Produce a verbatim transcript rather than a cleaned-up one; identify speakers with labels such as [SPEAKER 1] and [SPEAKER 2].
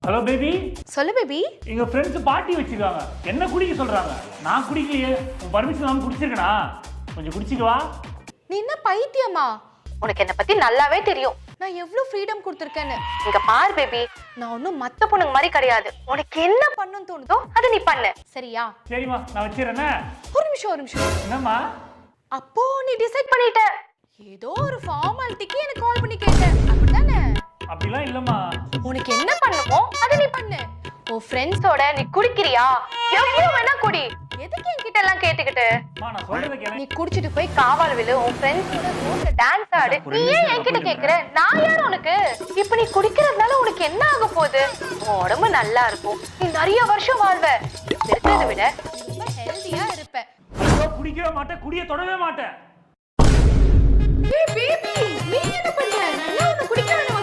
[SPEAKER 1] Hello baby.
[SPEAKER 2] சொல்லு baby.
[SPEAKER 1] எங்க friends party வச்சிருக்காங்க. என்ன குடிக்க சொல்றாங்க? நான் குடிக்கலையே. உன் பர்மிஷன் இல்லாம குடிச்சிருக்கனா? கொஞ்சம் குடிச்சிட்டு வா.
[SPEAKER 2] நீ என்ன பைத்தியமா? உனக்கு என்ன பத்தி நல்லாவே தெரியும். நான் எவ்வளவு ஃப்ரீடம் கொடுத்திருக்கேன்னு. இங்க பார் பேபி, நான் ஒன்னும் மத்த பொண்ணுங்க மாதிரி கிடையாது. உனக்கு என்ன பண்ணணும்னு தோணுதோ அதை நீ பண்ணு. சரியா?
[SPEAKER 1] சரிமா, நான் வச்சிரேனே.
[SPEAKER 2] ஒரு நிமிஷம் ஒரு நிமிஷம்.
[SPEAKER 1] என்னம்மா?
[SPEAKER 2] அப்போ நீ டிசைட் பண்ணிட்ட. ஏதோ ஒரு ஃபார்மாலிட்டிக்கு எனக்கு கால் பண்ணி கேட்டேன். அப்படிதானே?
[SPEAKER 1] அப்படிலாம் இல்லம்மா.
[SPEAKER 2] உனக்கு என்ன பண்ணுமோ அதை நீ பண்ணு. உன் ஃப்ரெண்ட்ஸோட நீ குடிக்கிறியா? எவ்வளவு வேணா குடி. எதுக்கு என்கிட்ட எல்லாம் கேட்டுக்கிட்டு?
[SPEAKER 1] அம்மா, நான் சொல்றத கேளு.
[SPEAKER 2] நீ குடிச்சிட்டு போய் காவால் விழு, உன் ஃப்ரெண்ட்ஸோட ரோட்ல டான்ஸ் ஆடு. நீ ஏன் என்கிட்ட கேக்குற? நான் யார் உனக்கு? இப்ப நீ குடிக்கிறதுனால உனக்கு என்ன ஆக போகுது? உன் உடம்பு நல்லா இருக்கும், நீ நிறைய வருஷம் வாழ்வ. இருக்கிறத விட ரொம்ப ஹெல்தியா இருப்ப.
[SPEAKER 1] நான் குடிக்கவே மாட்டேன், குடிய தொடவே மாட்டேன்.
[SPEAKER 2] ஏய் பேபி, நீ என்ன பண்ற? நான் உன்னை குடிக்க வேணும்